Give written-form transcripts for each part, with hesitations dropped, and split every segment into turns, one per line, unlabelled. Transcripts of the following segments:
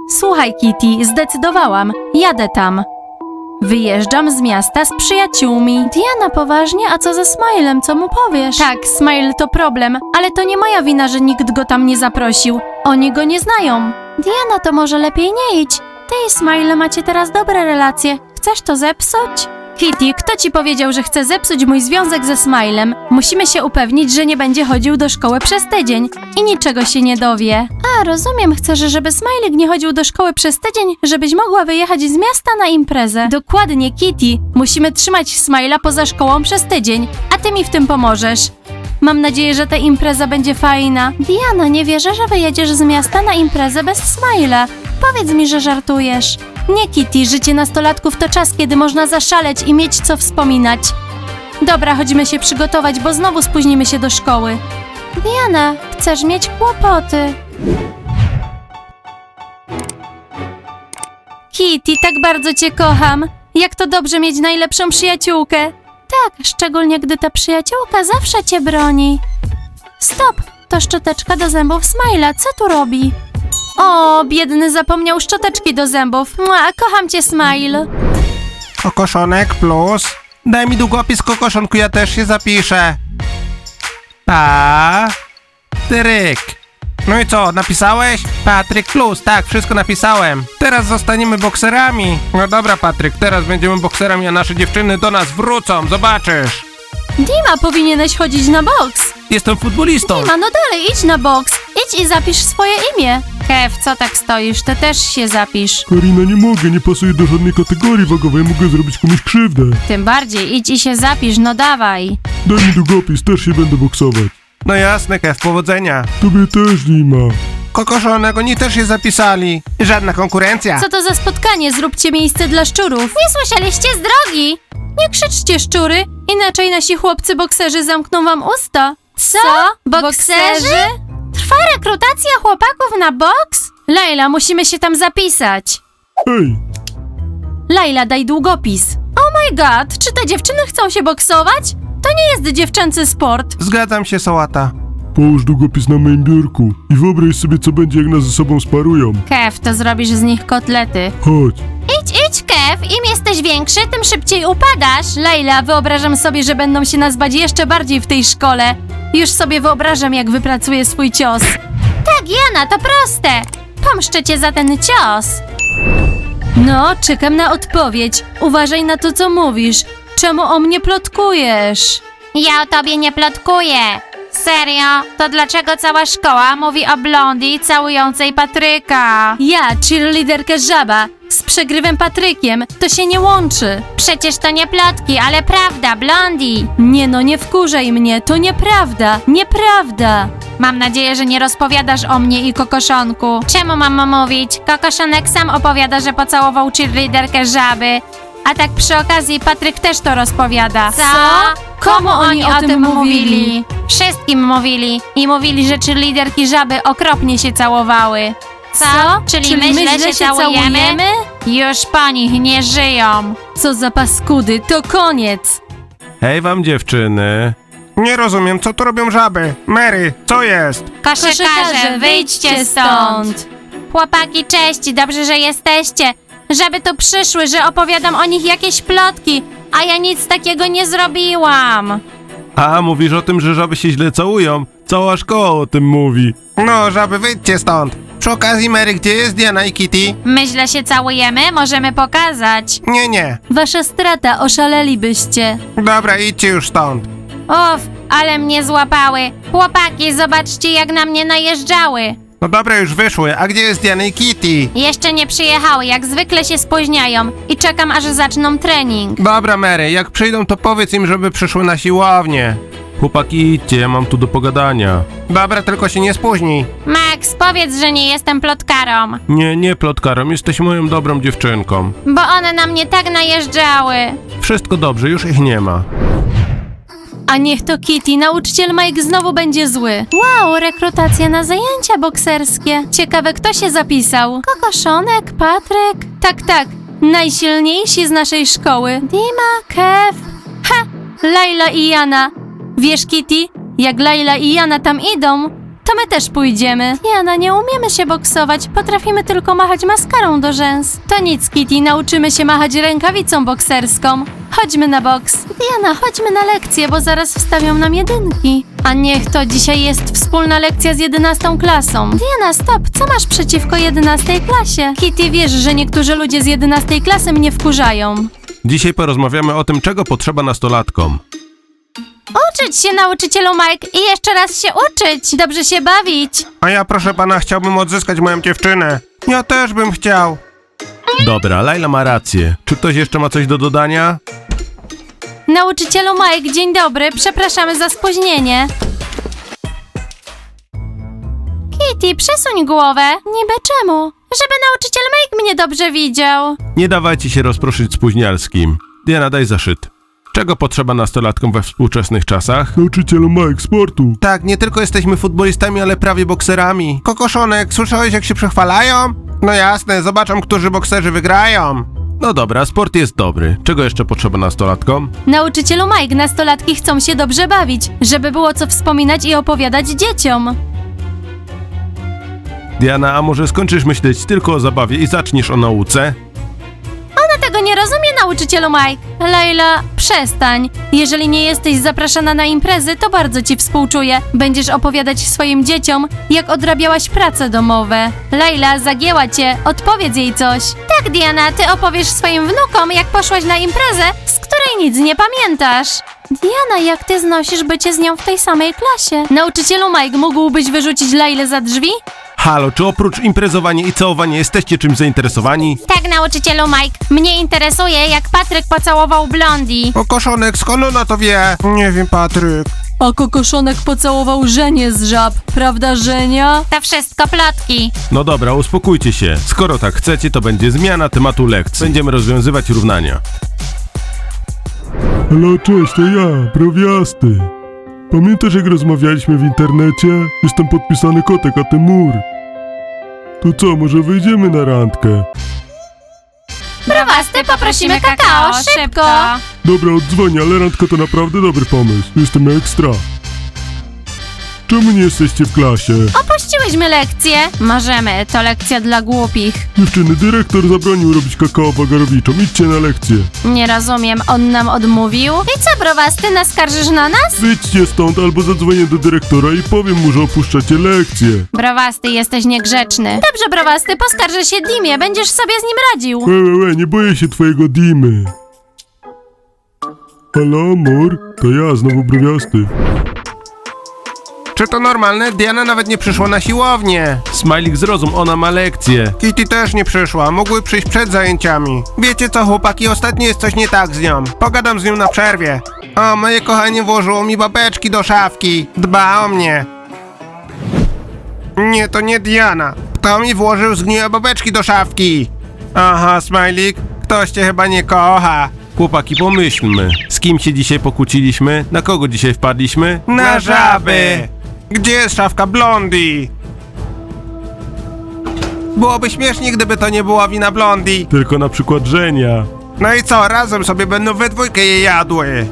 Słuchaj, Kitty, zdecydowałam. Jadę tam. Wyjeżdżam z miasta z przyjaciółmi. Diana, poważnie? A co ze Smilem? Co mu powiesz? Tak, Smile to problem, ale to nie moja wina, że nikt go tam nie zaprosił. Oni go nie znają. Diana, to może lepiej nie idź. Ty i Smile macie teraz dobre relacje. Chcesz to zepsuć? Kitty, kto ci powiedział, że chce zepsuć mój związek ze Smilem? Musimy się upewnić, że nie będzie chodził do szkoły przez tydzień i niczego się nie dowie. A, rozumiem, chcesz, żeby Smiley nie chodził do szkoły przez tydzień, żebyś mogła wyjechać z miasta na imprezę. Dokładnie, Kitty. Musimy trzymać Smila poza szkołą przez tydzień, a ty mi w tym pomożesz. Mam nadzieję, że ta impreza będzie fajna. Diana, nie wierzę, że wyjedziesz z miasta na imprezę bez Smila. Powiedz mi, że żartujesz. Nie, Kitty, życie nastolatków to czas, kiedy można zaszaleć i mieć co wspominać. Dobra, chodźmy się przygotować, bo znowu spóźnimy się do szkoły. Diana, chcesz mieć kłopoty. Kitty, tak bardzo cię kocham. Jak to dobrze mieć najlepszą przyjaciółkę. Tak, szczególnie gdy ta przyjaciółka zawsze cię broni. Stop, to szczoteczka do zębów Smila, co tu robi? O, biedny zapomniał szczoteczki do zębów. Mua, kocham cię, Smile.
Kokoszonek plus. Daj mi długopis, kokoszonku, ja też się zapiszę. Patryk. No i co, napisałeś? Patryk plus, tak, wszystko napisałem. Teraz zostaniemy bokserami. No dobra, Patryk, teraz będziemy bokserami, a nasze dziewczyny do nas wrócą, zobaczysz.
Dima, powinieneś chodzić na boks.
Jestem futbolistą.
Dima, no dalej, idź na boks. Idź i zapisz swoje imię. Kev, co tak stoisz? Ty też się zapisz.
Karina, nie mogę, nie pasuje do żadnej kategorii wagowej, mogę zrobić komuś krzywdę.
Tym bardziej, idź i się zapisz, no dawaj.
Daj mi długopis, też się będę boksować.
No jasne, Kev, powodzenia.
Tobie też, Dima.
Kokoszonek, oni też się zapisali. Żadna konkurencja.
Co to za spotkanie? Zróbcie miejsce dla szczurów. Nie słyszeliście z drogi? Nie krzyczcie, szczury, inaczej nasi chłopcy bokserzy zamkną wam usta. Co? Bokserzy? Trwa rekrutacja chłopaków na boks? Laila, musimy się tam zapisać.
Hej,
Laila, daj długopis. Oh my god, czy te dziewczyny chcą się boksować? To nie jest dziewczęcy sport.
Zgadzam się, Sałata.
połóż długopis na moim biurku i wyobraź sobie, co będzie, jak nas ze sobą sparują.
Kev, to zrobisz z nich kotlety.
Chodź.
Idź, Kev, im jesteś większy, tym szybciej upadasz. Laila, wyobrażam sobie, że będą się nas bać jeszcze bardziej w tej szkole. Już sobie wyobrażam, jak wypracuję swój cios. Tak, Jana, to proste. Pomszczę cię za ten cios. No, czekam na odpowiedź. Uważaj na to, co mówisz. Czemu o mnie plotkujesz? Ja o tobie nie plotkuję. Serio? To dlaczego cała szkoła mówi o Blondie całującej Patryka? Ja, cheerleaderkę Żaba, z przegrywem Patrykiem, to się nie łączy. Przecież to nie plotki, ale prawda, Blondie. Nie no, nie wkurzaj mnie, to nieprawda, nieprawda. Mam nadzieję, że nie rozpowiadasz o mnie i Kokoszonku. Czemu mam mówić? Kokoszonek sam opowiada, że pocałował cheerleaderkę Żaby. A tak przy okazji Patryk też to rozpowiada. Co? Komu oni o tym mówili? Wszystkim mówili. I mówili, że cheerleaderki Żaby okropnie się całowały. Co? Czyli my źle się całujemy? Już po nich nie żyją. Co za paskudy, to koniec.
Hej wam, dziewczyny. Nie rozumiem, co tu robią żaby. Mary, co jest?
Koszykarze, wyjdźcie stąd. Chłopaki, cześć, dobrze, że jesteście. Żeby tu przyszły, że opowiadam o nich jakieś plotki, a ja nic takiego nie zrobiłam.
A, mówisz o tym, że żaby się źle całują? Cała szkoła o tym mówi.
No, żaby, wyjdźcie stąd. Przy okazji, Mary, gdzie jest Diana i Kitty?
My źle się całujemy? Możemy pokazać.
Nie.
Wasza strata, oszalelibyście.
Dobra, idźcie już stąd.
Uff, ale mnie złapały. Chłopaki, zobaczcie, jak na mnie najeżdżały.
No dobra, już wyszły. A gdzie jest Diana i Kitty?
Jeszcze nie przyjechały, jak zwykle się spóźniają i czekam, aż zaczną trening.
Dobra, Mary, jak przyjdą, to powiedz im, żeby przyszły na siłownię.
Chłopaki, idźcie, ja mam tu do pogadania.
Dobra, tylko się nie spóźnij.
Max, powiedz, że nie jestem plotkarą,
Nie, plotkarą, jesteś moją dobrą dziewczynką.
bo one na mnie tak najeżdżały.
Wszystko dobrze, już ich nie ma.
A niech to Kitty, nauczyciel Mike znowu będzie zły. Wow, rekrutacja na zajęcia bokserskie. Ciekawe, kto się zapisał? Kokoszonek, Patryk? Tak, najsilniejsi z naszej szkoły. Dima, Kev. Ha, Laila i Jana. Wiesz, Kitty, jak Laila i Jana tam idą, to my też pójdziemy. Diana, nie umiemy się boksować, potrafimy tylko machać maskarą do rzęs. To nic, Kitty, nauczymy się machać rękawicą bokserską. Chodźmy na boks. Diana, chodźmy na lekcję, bo zaraz wstawią nam jedynki. A niech to dzisiaj jest wspólna lekcja z 11 klasą. Diana, stop, co masz przeciwko 11 klasie? Kitty, wiesz, że niektórzy ludzie z 11 klasy mnie wkurzają.
Dzisiaj porozmawiamy o tym, czego potrzeba nastolatkom.
Uczyć się, nauczycielu Mike, i jeszcze raz się uczyć. Dobrze się bawić.
A ja, proszę pana, chciałbym odzyskać moją dziewczynę. Ja też bym chciał.
Dobra, Laila ma rację. Czy ktoś jeszcze ma coś do dodania?
Nauczycielu Mike, dzień dobry, przepraszamy za spóźnienie. Kitty, przesuń głowę. Niby czemu? Żeby nauczyciel Mike mnie dobrze widział.
Nie dawajcie się rozproszyć spóźnialskim. Diana, daj zaszyt. Czego potrzeba nastolatkom we współczesnych czasach? Nauczycielu Mike, sportu.
Tak, nie tylko jesteśmy futbolistami, ale prawie bokserami. Kokoszonek, słyszałeś jak się przechwalają? No jasne, zobaczą, którzy bokserzy wygrają.
No dobra, sport jest dobry. Czego jeszcze potrzeba nastolatkom?
Nauczycielu Mike, nastolatki chcą się dobrze bawić, żeby było co wspominać i opowiadać dzieciom.
Diana, a może skończysz myśleć tylko o zabawie i zaczniesz o nauce?
Ona tego nie rozumie, nauczycielu Mike. Leila, przestań. Jeżeli nie jesteś zapraszana na imprezy, to bardzo ci współczuję. Będziesz opowiadać swoim dzieciom, jak odrabiałaś prace domowe. Leila, zagięła cię. Odpowiedz jej coś. Tak, Diana, ty opowiesz swoim wnukom, jak poszłaś na imprezę, z której nic nie pamiętasz. Diana, jak ty znosisz bycie z nią w tej samej klasie? Nauczycielu Mike, mógłbyś wyrzucić Leilę za drzwi?
Halo, czy oprócz imprezowania i całowania jesteście czymś zainteresowani?
Tak, nauczycielu Mike. Mnie interesuje, jak Patryk pocałował Blondie.
Kokoszonek, skąd ona to wie? Nie wiem, Patryk.
A kokoszonek pocałował Żenię z żab, prawda, Żenia? To wszystko plotki.
No dobra, uspokójcie się. Skoro tak chcecie, to będzie zmiana tematu lekcji. Będziemy rozwiązywać równania.
Halo, cześć, to ja, Browiasty. Pamiętasz, jak rozmawialiśmy w internecie? Jestem podpisany Kotek, a ty Mur. To co, może wyjdziemy na randkę?
Browasty, poprosimy kakao, szybko.
Dobra, oddzwonię, ale randka to naprawdę dobry pomysł. Jestem ekstra. Czemu nie jesteście w klasie?
Opuściłyśmy lekcję. Możemy, to lekcja dla głupich.
Dziewczyny, dyrektor zabronił robić kakao wagarowiczom. Idźcie na lekcję.
Nie rozumiem, on nam odmówił? I co, Browasty, naskarżysz na nas?
Wyjdźcie stąd, albo zadzwonię do dyrektora i powiem mu, że opuszczacie lekcję.
Browasty, jesteś niegrzeczny. Dobrze, Browasty, poskarżę się Dimie, będziesz sobie z nim radził.
Nie boję się twojego Dimy. Halo, Mur? To ja, znowu Browiasty.
Czy to normalne? Diana nawet nie przyszła na siłownię.
Smajlik, zrozum, ona ma lekcję.
Kitty też nie przyszła, mogły przyjść przed zajęciami. Wiecie co, chłopaki, ostatnio jest coś nie tak z nią. Pogadam z nią na przerwie. O, moje kochanie włożyło mi babeczki do szafki. Dba o mnie. Nie, to nie Diana. Kto mi włożył zgniłe babeczki do szafki? Aha, Smajlik, ktoś cię chyba nie kocha.
Chłopaki, pomyślmy. Z kim się dzisiaj pokłóciliśmy? Na kogo dzisiaj wpadliśmy?
Na żaby! Gdzie jest szafka Blondie? Byłoby śmiesznie, gdyby to nie była wina Blondie.
Tylko na przykład Żenia.
No i co, razem sobie będą we dwójkę je jadły.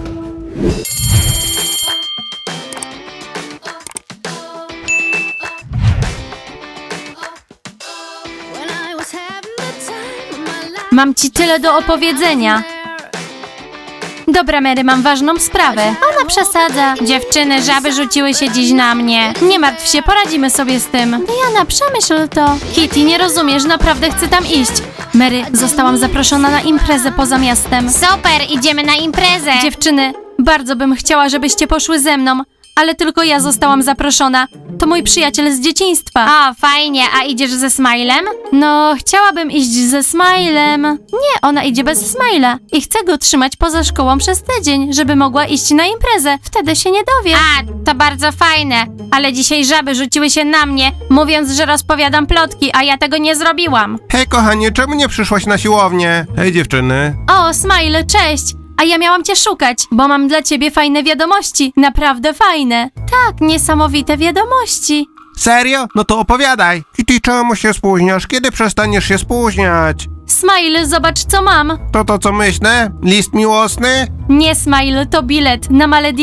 Mam ci tyle do opowiedzenia. Dobra, Mary, mam ważną sprawę. Ona przesadza. Dziewczyny, żaby rzuciły się dziś na mnie. Nie martw się, poradzimy sobie z tym. Diana, przemyśl to. Kitty, nie rozumiesz, naprawdę chcę tam iść. Mary, zostałam zaproszona na imprezę poza miastem. Super, idziemy na imprezę. Dziewczyny, bardzo bym chciała, żebyście poszły ze mną, ale tylko ja zostałam zaproszona. To mój przyjaciel z dzieciństwa. O, fajnie, a idziesz ze Smilem? No, chciałabym iść ze Smilem. Nie, ona idzie bez Smila i chcę go trzymać poza szkołą przez tydzień, żeby mogła iść na imprezę. Wtedy się nie dowie. A, to bardzo fajne, ale dzisiaj żaby rzuciły się na mnie, mówiąc, że rozpowiadam plotki, a ja tego nie zrobiłam.
Hej, kochanie, czemu nie przyszłaś na siłownię?
Hej dziewczyny.
O, Smile, cześć! A ja miałam cię szukać, bo mam dla ciebie fajne wiadomości. Naprawdę fajne. Tak, niesamowite wiadomości.
Serio? No to opowiadaj. Kitty, czemu się spóźniasz? Kiedy przestaniesz się spóźniać?
Smile, zobacz co mam.
To co myślę? List miłosny?
Nie, Smile, to bilet na Malediwy.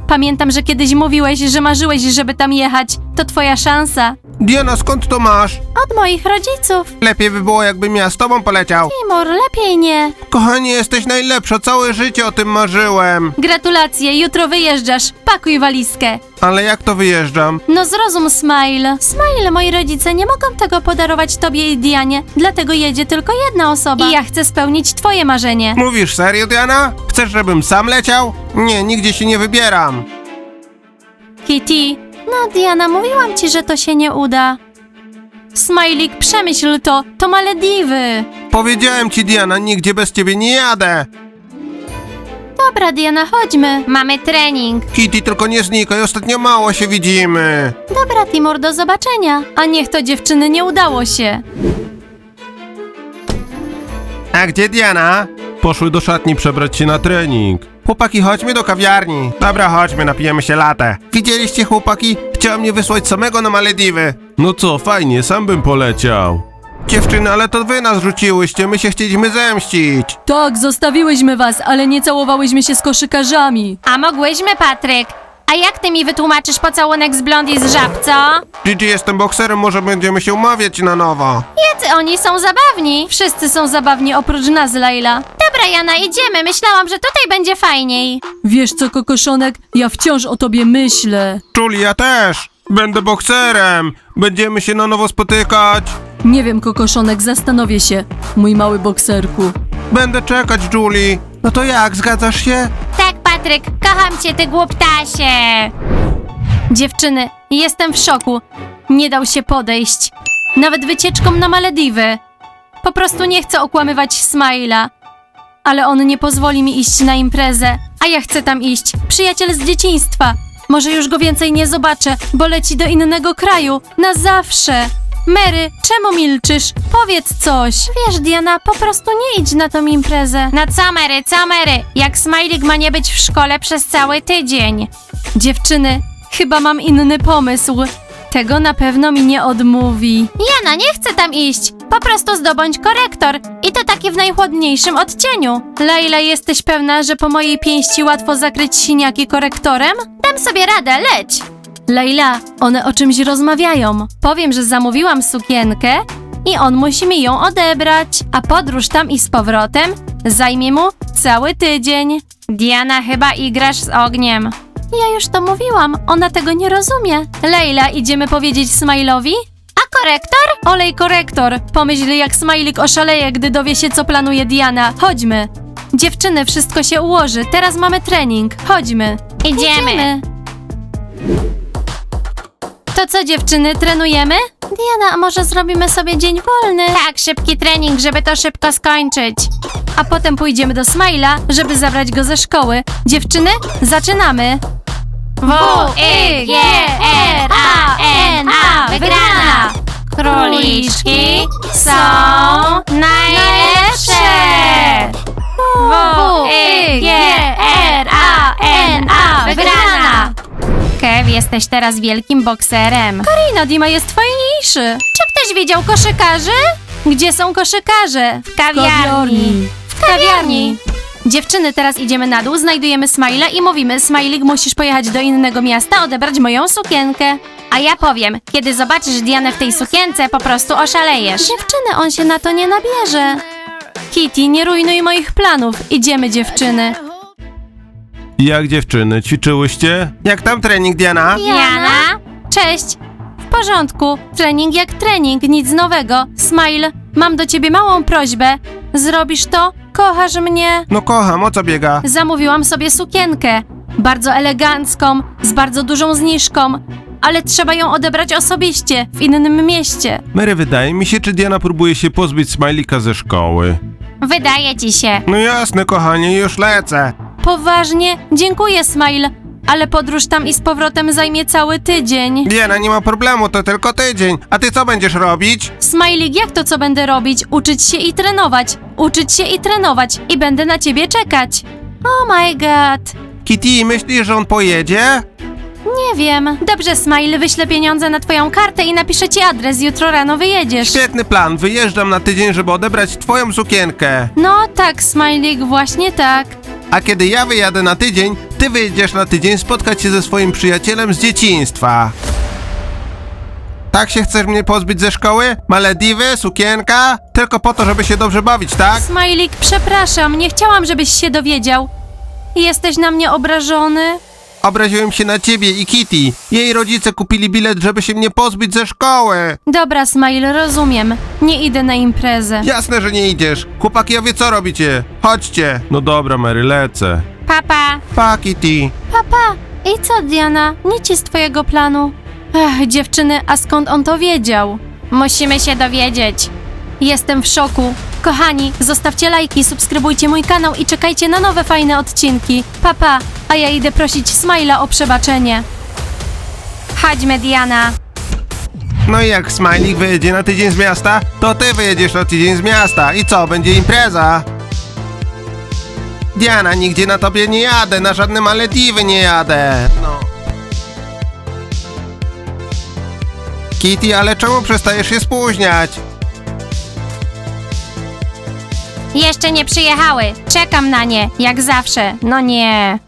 Pamiętam, że kiedyś mówiłeś, że marzyłeś, żeby tam jechać. To twoja szansa.
Diana, skąd to masz?
Od moich rodziców.
Lepiej by było, jakbym ja z tobą poleciał.
Timur, lepiej nie.
Kochanie, jesteś najlepsza, całe życie o tym marzyłem.
Gratulacje, jutro wyjeżdżasz. Pakuj walizkę.
Ale jak to wyjeżdżam?
No zrozum, Smile. Smile, moi rodzice nie mogą tego podarować tobie i Dianie, dlatego jedzie tylko jedna osoba. I ja chcę spełnić twoje marzenie.
Mówisz serio, Diana? Chcesz, żebym sam leciał? Nie, nigdzie się nie wybieram.
Kitty. No, Diana, mówiłam ci, że to się nie uda. Smajlik, przemyśl to. To Malediwy.
Powiedziałem ci, Diana, nigdzie bez ciebie nie jadę.
Dobra, Diana, chodźmy. Mamy trening.
Kitty, tylko nie znikaj, ostatnio mało się widzimy.
Dobra, Timur, do zobaczenia. A niech to dziewczyny nie udało się.
A gdzie Diana?
Poszły do szatni przebrać się na trening.
Chłopaki, chodźmy do kawiarni. Dobra, chodźmy, napijemy się latę. Widzieliście, chłopaki? Chciała mnie wysłać samego na Malediwy.
No co, fajnie, sam bym poleciał.
Dziewczyny, ale to wy nas rzuciłyście, my się chcieliśmy zemścić.
Tak, zostawiłyśmy was, ale nie całowałyśmy się z koszykarzami. A mogłyśmy, Patryk. A jak ty mi wytłumaczysz pocałunek z Blondie z Żab, co?
Gigi, jestem bokserem, może będziemy się umawiać na nowo.
Jacy oni są zabawni. Wszyscy są zabawni oprócz nas, Laila. Dobra, Jana, idziemy. Myślałam, że tutaj będzie fajniej.
Wiesz co, kokoszonek, ja wciąż o tobie myślę.
Julie, ja też. Będę bokserem. Będziemy się na nowo spotykać.
Nie wiem, kokoszonek, zastanowię się, mój mały bokserku.
Będę czekać, Julie. No to jak, zgadzasz się?
Tak, Patryk, kocham cię, ty głuptasie. Dziewczyny, jestem w szoku. Nie dał się podejść. Nawet wycieczką na Malediwy. Po prostu nie chcę okłamywać Smaila. Ale on nie pozwoli mi iść na imprezę, a ja chcę tam iść. Przyjaciel z dzieciństwa. Może już go więcej nie zobaczę, bo leci do innego kraju. Na zawsze. Mary, czemu milczysz? Powiedz coś. Wiesz, Diana, po prostu nie idź na tą imprezę. Na co, Mary, co, Mary? Jak Smajlik ma nie być w szkole przez cały tydzień? Dziewczyny, chyba mam inny pomysł. Tego na pewno mi nie odmówi. Jana, nie chcę tam iść. Po prostu zdobądź korektor. I to taki w najchłodniejszym odcieniu. Laila, jesteś pewna, że po mojej pięści łatwo zakryć siniaki korektorem? Dam sobie radę, leć. Laila, one o czymś rozmawiają. Powiem, że zamówiłam sukienkę i on musi mi ją odebrać. A podróż tam i z powrotem zajmie mu cały tydzień. Diana, chyba igrasz z ogniem. Ja już to mówiłam, ona tego nie rozumie. Leila, idziemy powiedzieć Smile'owi? A korektor? Olej korektor. Pomyśl, jak Smajlik oszaleje, gdy dowie się, co planuje Diana. Chodźmy. Dziewczyny, wszystko się ułoży. Teraz mamy trening. Chodźmy. Idziemy. To co, dziewczyny, trenujemy? Diana, a może zrobimy sobie dzień wolny? Tak, szybki trening, żeby to szybko skończyć. A potem pójdziemy do Smile'a, żeby zabrać go ze szkoły. Dziewczyny, zaczynamy. W-I-G-R-A-N-A, wygrana! Króliczki są najlepsze! W-I-G-R-A-N-A, wygrana! Kev, jesteś teraz wielkim bokserem. Karina, Dima jest fajniejszy. Czy ktoś widział koszykarzy? Gdzie są koszykarze? W kawiarni. W kawiarni. Dziewczyny, teraz idziemy na dół, znajdujemy Smile'a i mówimy: Smajlik, musisz pojechać do innego miasta, odebrać moją sukienkę. A ja powiem, kiedy zobaczysz Dianę w tej sukience, po prostu oszalejesz. Dziewczyny, on się na to nie nabierze. Kitty, nie rujnuj moich planów. Idziemy, dziewczyny.
Jak dziewczyny, ćwiczyłyście?
Jak tam trening, Diana?
Jana? Cześć. W porządku. Trening jak trening, nic nowego. Smile, mam do ciebie małą prośbę. Zrobisz to? Kochasz mnie?
No kocham, o co biega?
Zamówiłam sobie sukienkę. Bardzo elegancką, z bardzo dużą zniżką. Ale trzeba ją odebrać osobiście, w innym mieście.
Mary, wydaje mi się, czy Diana próbuje się pozbyć Smajlika ze szkoły.
Wydaje ci się.
No jasne, kochanie, już lecę.
Poważnie? Dziękuję, Smile. Ale podróż tam i z powrotem zajmie cały tydzień.
Diana, nie ma problemu, to tylko tydzień. A ty co będziesz robić?
Smajlik, jak to co będę robić? Uczyć się i trenować. Uczyć się i trenować. I będę na ciebie czekać. Oh my god.
Kitty, myślisz, że on pojedzie?
Nie wiem. Dobrze, Smile, wyślę pieniądze na twoją kartę i napiszę ci adres. Jutro rano wyjedziesz.
Świetny plan, wyjeżdżam na tydzień, żeby odebrać twoją sukienkę.
No tak, Smajlik, właśnie tak.
A kiedy ja wyjadę na tydzień, Ty wyjedziesz na tydzień spotkać się ze swoim przyjacielem z dzieciństwa. Tak się chcesz mnie pozbyć ze szkoły? Malediwy, sukienka? Tylko po to, żeby się dobrze bawić, tak?
Smajlik, przepraszam, nie chciałam, żebyś się dowiedział. Jesteś na mnie obrażony?
Obraziłem się na ciebie i Kitty. Jej rodzice kupili bilet, żeby się mnie pozbyć ze szkoły.
Dobra, Smile, rozumiem. Nie idę na imprezę.
Jasne, że nie idziesz. Chłopaki, a wy co robicie? Chodźcie.
No dobra, Mary, lecę.
Papa.
Pa, Kitty.
Papa. I co, Diana? Nic z twojego planu. Ech, dziewczyny, a skąd on to wiedział? Musimy się dowiedzieć. Jestem w szoku. Kochani, zostawcie lajki, subskrybujcie mój kanał i czekajcie na nowe fajne odcinki. Papa, a ja idę prosić Smile'a o przebaczenie. Chodźmy, Diana.
No i jak Smajlik wyjedzie na tydzień z miasta, to ty wyjedziesz na tydzień z miasta. I co, będzie impreza? Diana, nigdzie na tobie nie jadę, na żadne Malediwy nie jadę. No. Kitty, ale czemu przestajesz się spóźniać?
Jeszcze nie przyjechały. Czekam na nie, jak zawsze. No nie.